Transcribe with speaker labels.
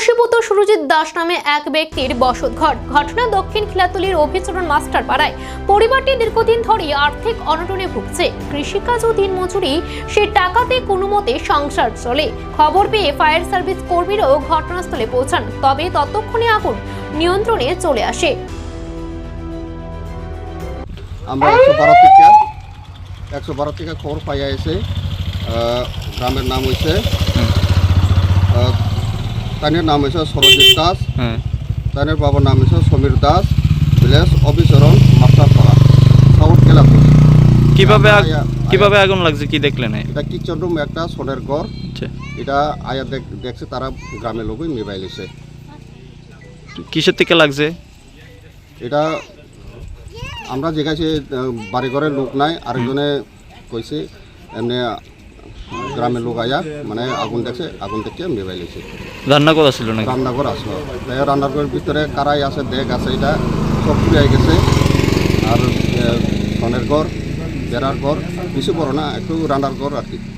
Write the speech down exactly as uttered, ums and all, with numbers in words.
Speaker 1: বশীভূত সুরজিৎ দাস নামে এক ব্যক্তির বসতঘর। ঘটনা দক্ষিণ খিলাতলির অভিচরণ মাস্টার পাড়ায়। পরিবারটি দীর্ঘদিন ধরে আর্থিক অনটনে ভুগছে। কৃষিকাজ ও দিনমজুরি সে টাকাতে কোনো মতে সংসার চলে। খবর পেয়ে ফায়ার সার্ভিস কর্মীরাও ঘটনাস্থলে পৌঁছান, তবে ততক্ষণে আগুন নিয়ন্ত্রণে চলে আসে।
Speaker 2: আমরা একশো বারো থেকে একশো বারো থেকে খবর পাইয়া এসে গ্রামের নাম হয়েছে তানের নাম হয়েছে সরজিৎ দাস, তানের বাবার নাম হয়েছে সমীর দাস, ভিলেজ অভিচরণ মাস্টারপাড়া, সাউথ কেলাপুর।
Speaker 3: কিভাবে কিভাবে আগুন লাগছে কি দেখলেন?
Speaker 2: এটা কিচেন রুম একটা সোনের ঘর। এটা আয়া দেখছে তারা গ্রামের লোকই মোবাইল এসে।
Speaker 3: কিসের থেকে লাগছে
Speaker 2: এটা আমরা জিজ্ঞাসি বাড়িঘরের লোক নাই, আরেকজনে কইছে এমনি গ্রামের লোক আয়া মানে আগুন দেখছে, আগুন দেখে মোবাইল এসে।
Speaker 3: রান্নাঘর আসলো নাকি?
Speaker 2: রান্নাঘর আসলো, রান্নাঘরের ভিতরে কারাই আছে, দেখ আছে, এটা সব পুড়ে গেছে। আর সনের ঘর, বেড়ার ঘর, বেশি বড় না, একটু রান্নার ঘর আর কি।